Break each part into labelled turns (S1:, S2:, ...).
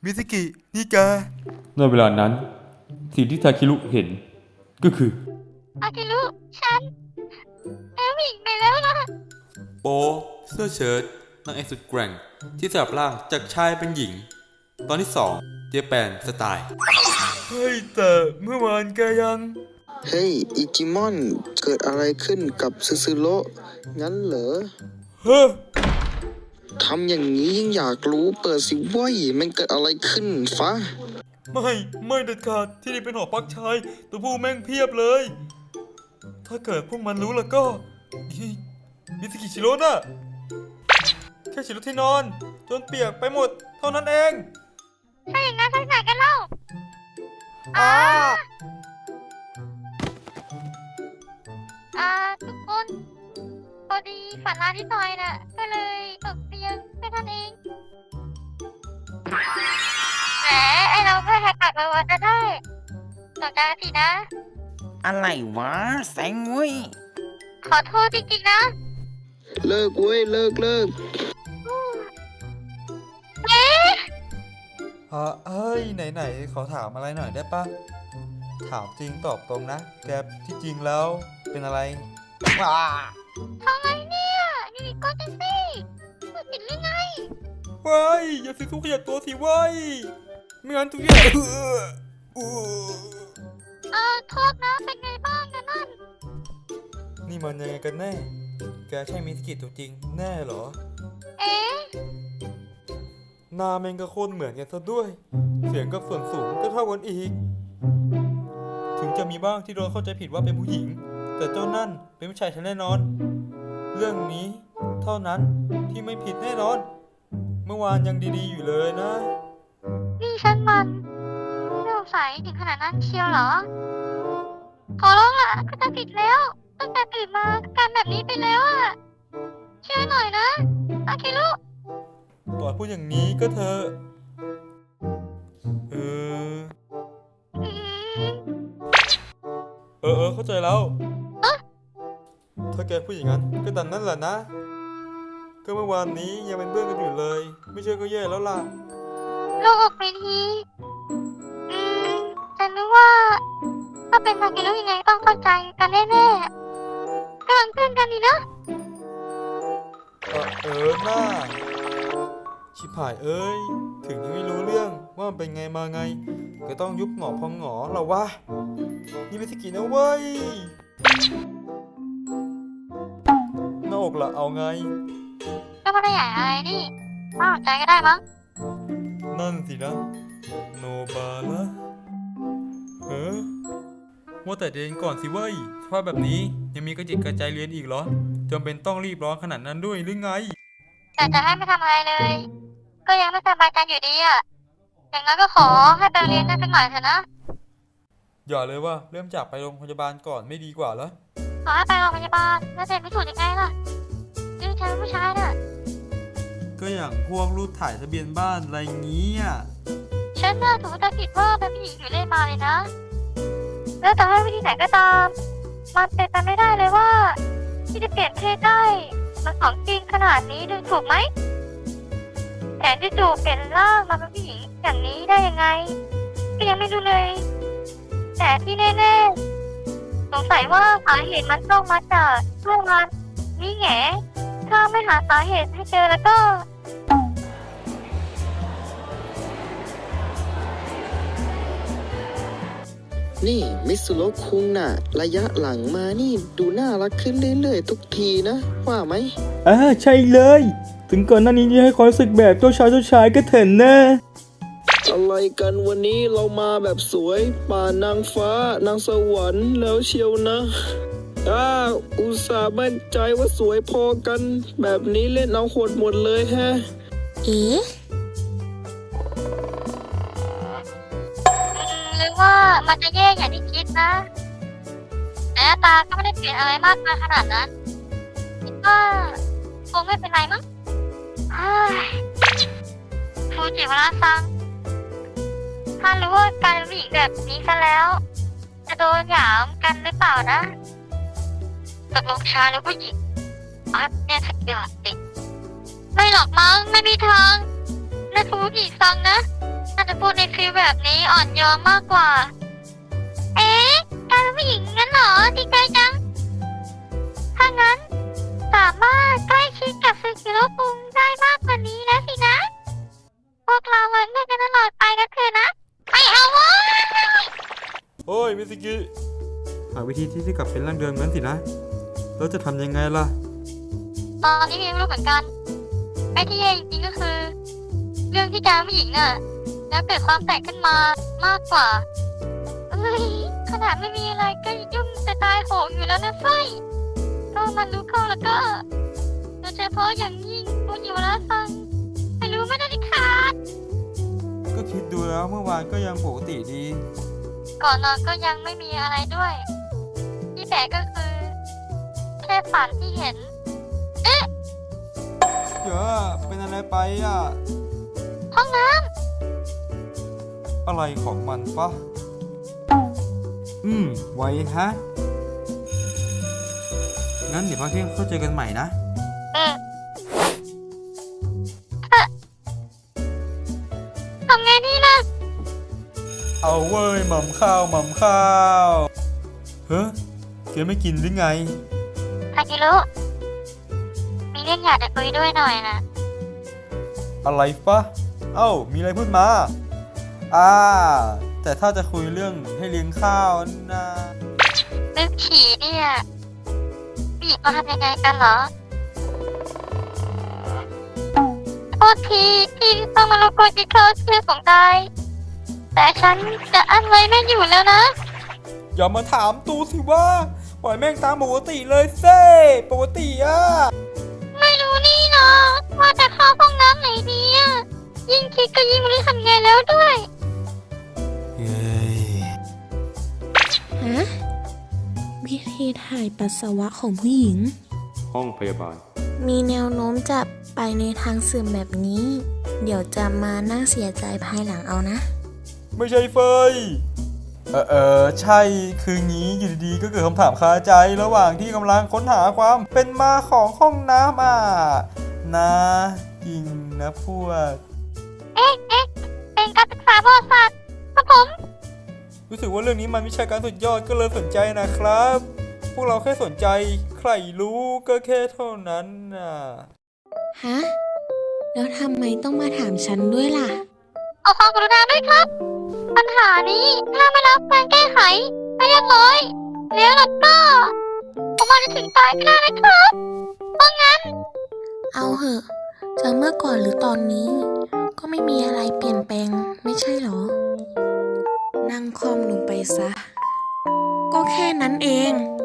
S1: มิสกินี่แก
S2: ในเวลานั้นสิ่งที่ทาคิรุเห็นก็คือ
S3: อากิรุฉันแอบวิ่งไปแล้วนะ
S1: โปเสื้อเชิ้ตนางเอกสุดแกร่งที่สลับร่างจากชายเป็นหญิง ตอนที่2เจแปนสไตล์เฮ้ยแต่เมื่อวานแกยัง
S4: เฮ้ยอิจิมอนเกิดอะไรขึ้นกับซึซึโร่งั้นเหรอ
S1: เฮ้อ
S4: ทำอย่างนี้ยิ่งอยากรู้เปิดสิเว้ยมันเกิดอะไรขึ้นฟ้า
S1: ไม่เด็ดขาดที่นี่เป็นหอพักชายตัวผู้แม่งเพียบเลย ถ้าเกิดพวกมันรู้แล้วก็มิสกิชิโร่น่ะแค่ชิโร่ที่นอนจนเปียกไปหมดเท่านั้นเอง
S3: ถ้าอย่างนั้นไปไหนกันเล่าทุกคนพอดีฝันร้ายนิดหน่อยน่ะก็เลยตกเตียงแค่นั้นเองแหมไอเราแค่แหกปากมาวันก็ได้ต่อใจสินะ
S5: อะไรวะแสงเว้ย
S3: ขอโทษจริงๆนะ
S4: เลิกเว้ยเลิก
S3: เอ๊ะ
S1: เฮ้ยไหนขอถามอะไรหน่อยได้ปะถามจริงตอบตรงนะแกที่จริงแล้วเป็นอะไร
S3: ทำไงเนี่ยอยู่ดีก็จะสิพูดผิดหรือไง
S1: ว้ายอย่าสิทุกขยับตัวสิว้ายไม่งั้นทุกอย่าง
S3: โทษนะเป็นไงบ้างนะนั่น
S1: นี่มันยังไงกันแน่แกใช่มิสกิตัวจริงแน่เหรอ
S3: เอ๊ะ
S1: หน้าแม่งก็โคตรเหมือนกันซะด้วยเสียงกับส่วนสูงก็เท่ากันอีกถึงจะมีบ้างที่โดนเข้าใจผิดว่าเป็นผู้หญิงแต่เจ้านั่นเป็นผู้ชายแน่นอนเรื่องนี้เท่านั้นที่ไม่ผิดแน่นอนเมื่อวานยังดีๆอยู่เลยนะ
S3: นี่ฉันมันไม่สงสัยถึงขนาดนั้นเชียวเหรอขอร้องล่ะก็จะผิดแล้วตั้งแต่ตื่นมาการแบบนี้ไปแล้วอ่ะช่วยหน่อยนะอาคิรุ
S1: ต่อพูดอย่างนี้ก็เธอเข้าใจแล้วถ้าแกพูดอย่างนั้นก็ตามนั้นแหละนะก็เมื่อวานนี้ยังเป็นเพื่อนกันอยู่เลยไม่เชื่อก็แย่แล้วล่ะ
S3: โลกออกไปทีฉันนึกว่าถ้าเป็นอากิรุยังไงต้องเข้าใจกันแน่ๆกำลังเพื่อนกันนี่นะ
S1: หน้าชิบหายถึงยังไม่รู้เรื่องว่ามันเป็นไงมาไงก็ต้องยุบหงอพองหงอเราวะนี่ไม่ใช่กินนะเว้ยหน้าอกละเอาไง
S3: ก็ไม่ได้ใหญ่อะไรนี่ไม่สนใจก็ได้มั้ง
S1: นั่นสินะโนบาละว่าแต่เรียนก่อนสิเว้ยสภาพแบบนี้ยังมีกระจิตกระใจเรียนอีกเหรอจำเป็นต้องรีบร้อนขนาดนั้นด้วยหรือไง
S3: แต่จะให้ไม่ทำอะไรเลยก็ยังไม่สบายใจอยู่ดีอ่ะอย่างนั้นก็ขอให้ไปเรียนได้สักหน่อยเถอะนะ
S1: อย่าเลยว่าเริ่มจากไปโรงพยาบาลก่อนไม่ดีกว่าเหรอ
S3: ขอให้ไปโรงพยาบาลแล้วเสร็จไม่ถูกยังไงล่ะดูฉันเป็นผู้ชายน่ะ
S1: ก็อย่างพวกรูปถ่ายทะเบียนบ้านอะไรงี้อ่ะ
S3: ฉันน่าถูกตัดสินว่าเป็นผู้หญิงอยู่เล่นมาเลยนะแล้วแต่ให้วิธีไหนก็ตามมันเป็นไปไม่ได้เลยว่าที่จะเปลี่ยนเพศได้มันของจริงขนาดนี้ดูถูกไหมแต่จู่ๆเปลี่ยนร่างมาเป็นผู้หญิงอย่างนี้ได้ยังไงก็ยังไม่รู้เลยแต่ที่แน่ๆสงสัยว่าสาเหตุมันต้องมาจากเรื่องมันนี่แง่ถ้าไม่หาสาเหตุให้เจอแล้วก็
S4: นี่มิสุโร่คุงน่ะระยะหลังมานี่ดูน่ารักขึ้นเรื่อยๆทุกทีนะว่าไหม
S2: ใช่เลยถึงก่อนหน้านี้จะให้ความรู้สึกแบบเจ้าชายก็เถินนะ
S4: อะไรกันวันนี้เรามาแบบสวยป่านางฟ้านางสวรรค์แล้วเชียวนะอุตส่าห์มั่นใจว่าสวยพอกันแบบนี้เล่นเอาโหดหมดเลยแฮะ
S3: หรือว่ามันจะแย่อย่างที่คิดนะแต่หน้าตาก็ไม่ได้เปลี่ยนอะไรมากมายขนาดนั้นคิดว่าคงไม่เป็นไรมั้งฟูจิวาระซังถ้ารู้ว่าการเป็นผู้หญิงแบบนี้ซะแล้วจะโดนหยามกันหรือเปล่านะตกลงชายหรือผู้หญิงเนี่ยสุดยอดจริงไม่หรอกมั้งไม่มีทางนั่นฟูจิซังนะน่าจะพูดในฟีลแบบนี้อ่อนโยนมากกว่า เอ๊ะการเป็นผู้หญิงงั้นเหรอดีใจจัง ถ้างั้นสามารถใกล้ชิดกับซึกิโร่คุงได้มากกว่านี้แล้วสินะ พวกเราไว้เมื่อกันตลอดไปก็คือนะ ไม่เอาเว้ย
S1: โอ้ยมิสกิหาวิธีที่จะกลับเป็นร่างเดิมงั้นสินะเราจะทำยังไงล่ะ
S3: ตอนนี้ยังไม่รู้เหมือนกันไอ้ที่แย่จริงๆก็คือ เรื่องที่การผู้หญิงน่ะ แล้วเกิดความแตกขึ้นมามากกว่าเอ้ยขนาดไม่มีอะไรก็ยุ่งจะตายโหงอยู่แล้วนะไฟก็มันรู้เข้าแล้วก็โดยเฉพาะอย่างยิ่งผู้อยู่แล้วฟังไม่รู้ไม่ได้ดิขาด
S1: ก็คิดดูแล้วเมื่อวานก็ยังปกติดี
S3: ก่อนนอนก็ยังไม่มีอะไรด้วย ที่แปลกก็คือ แค่ฝันที่เห็น
S1: เดี๋ยวเป็นอะไรไปอ่ะ
S3: ห้องน้
S1: อะไรของมันฟะไว้ฮะ งั้นเดี๋ยวพักเที่ยงเข้าเจอกันใหม่นะ
S3: ทำไงดีล่ะ
S1: เอาเว้ยหม่ำข้าวหม่ำข้าวเฮ้ยแกไม่กินหรือไง
S3: ทากิรุมีเรื่องอยากจะคุยด้วยหน่อยนะ
S1: อะไรฟะ เอ้า มีอะไรพูดมา แต่ถ้าจะคุยเรื่องให้เลี้ยงข้าวนะ
S3: เรื่องฉี่เนี่ยผู้หญิงเขาทำยังไงกันเหรอโทษทีที่ต้องมารบกวนกินข้าวเชื่อของตายแต่ฉันจะอั้นไว้ไม่อยู่แล้วนะ
S1: อย่ามาถามตูสิว่าปล่อยแม่งตามปกติเลยเซ่ปกติอ่ะ
S3: ไม่รู้นี่เนาะว่าจะเข้าห้องน้ำไหนดีอะยิ่งคิดก็ยิ่งไม่รู้ทำไงแล้วด้วย
S1: เฮ้ย
S6: ฮะวิธีถ่ายปัสสาวะของผู้หญิง
S2: ห้องพยาบาล
S6: มีแนวโน้มจะไปในทางเสื่อมแบบนี้ เดี๋ยวจะมานั่งเสียใจภายหลังเอานะ
S1: ไม่ใช่เฟยใช่ คืองี้อยู่ดีๆก็เกิดคำถามคาใจระหว่างที่กำลังค้นหาความเป็นมาของห้องน้ำนะจริงนะพวก
S3: เป็นการศึกษาประวัติศาสตร์ครับผม
S1: รู้สึกว่าเรื่องนี้มันวิชาการสุดยอดก็เลยสนใจนะครับ พวกเราแค่สนใจใครรู้ก็แค่เท่านั้นน่ะ
S6: ฮะ แล้วทำไมต้องมาถามฉันด้วยล่ะ
S3: เอาความกรุณาด้วยครับ ปัญหานี้ถ้าไม่รับการแก้ไขไม่เรียบร้อยแล้วล่ะก็ผมอาจจะถึงตายก็ได้นะครับเพราะงั้น
S6: เอาเหอะจะเมื่อก่อนหรือตอนนี้ ก็ไม่มีอะไรเปลี่ยนแปลงไม่ใช่หรอ นั่งคอมลงไปซะ ก็แค่นั้นเอง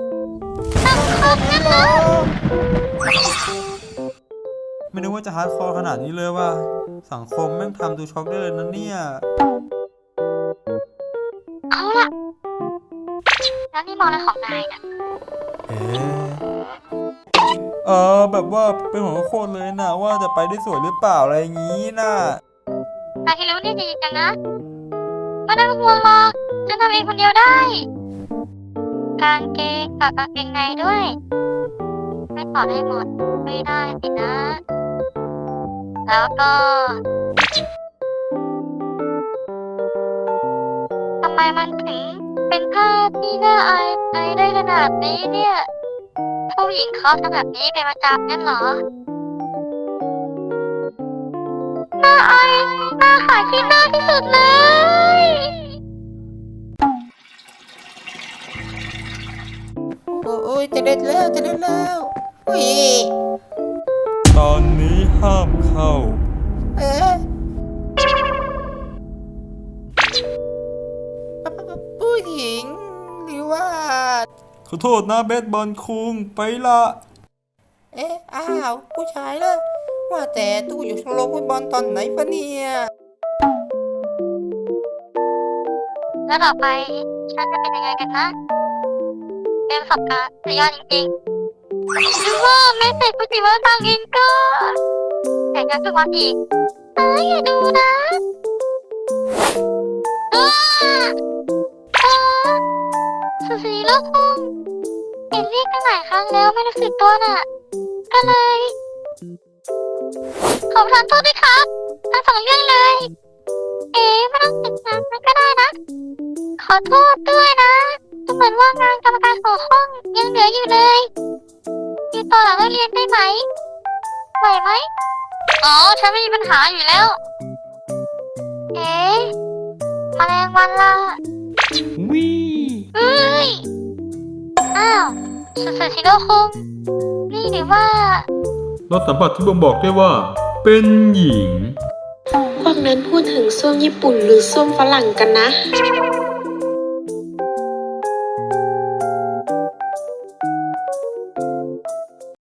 S1: ไม่นึกว่าจะฮาร์ดคอร์ขนาดนี้เลยว่าสังคมแม่งทำดูช็อกได้เลยนะเนี่ย
S3: เอาล่ะ แล้วนี่มองอะไรของนายนะ
S1: แบบว่าเป็นหัวโคตรเลยนะว่าจะไปได้สวยหรือเปล่าอะไรอย่างงี้น่ะ
S3: นายที่รู้นี่ดีจังนะไม่ต้องห่วงหรอกฉันทำเองคนเดียวได้ กางเกงกับกางเกงในด้วย ไม่ต่อได้หมดไม่ได้สินะ แล้วก็ทำไมมันถึงเป็นผ้าที่น่าอายได้ขนาดนี้เนี่ยผู้หญิงเขาทำแบบนี้เป็นประจำงั้นเหรอ น่าอายน่าขายที่หน้าที่สุดเลย
S5: โอ้ยจะเด็ดแล้วอุ้ย
S1: ตอนนี้ห้ามเข้า
S5: เอ๊ะผู้หญิงหรือว่า
S1: ขอโทษนะเบสบอลคุงไปละ
S5: อ้าวผู้ชายเลยว่าแต่ตู้อยู่ชมรมฟุตบอลตอนไหนปะเนี่ย
S3: แล้วต่อไปฉันจะเป็นยังไงกันนะ เป็นประสบการณ์สุดยอดจริงๆหรือว่าแม้แต่คุณจิว่าทางเองก็แต่งงานทุกวันอีกอย่าดูนะสุสีโลกคุงเห็นเรียกตั้งหลายครั้งแล้วไม่รู้สึกตัวน่ะ ก็เลย ขอประทานโทษด้วยครับทั้งสองเรื่องเลยไม่ต้องติดงานมันก็ได้นะ ขอโทษด้วยนะดูเหมือนว่างานกรรมการของห้องยังเหลืออยู่เลยมีต่อหลังเลิกเรียนได้ไหมไหวไหมอ๋อฉันไม่มีปัญหาอยู่แล้ว แมลงวันล่ะ
S2: วิ
S3: เอ้ย อ้าวสุสชิโร่คุงนี่หรือว่า
S1: เราสัมผัสที่บ่งบอกได้ว่า เป็นหญิง
S6: พวกนั้นพูดถึงส้วมญี่ปุ่นหรือส้วมฝรั่งกันนะ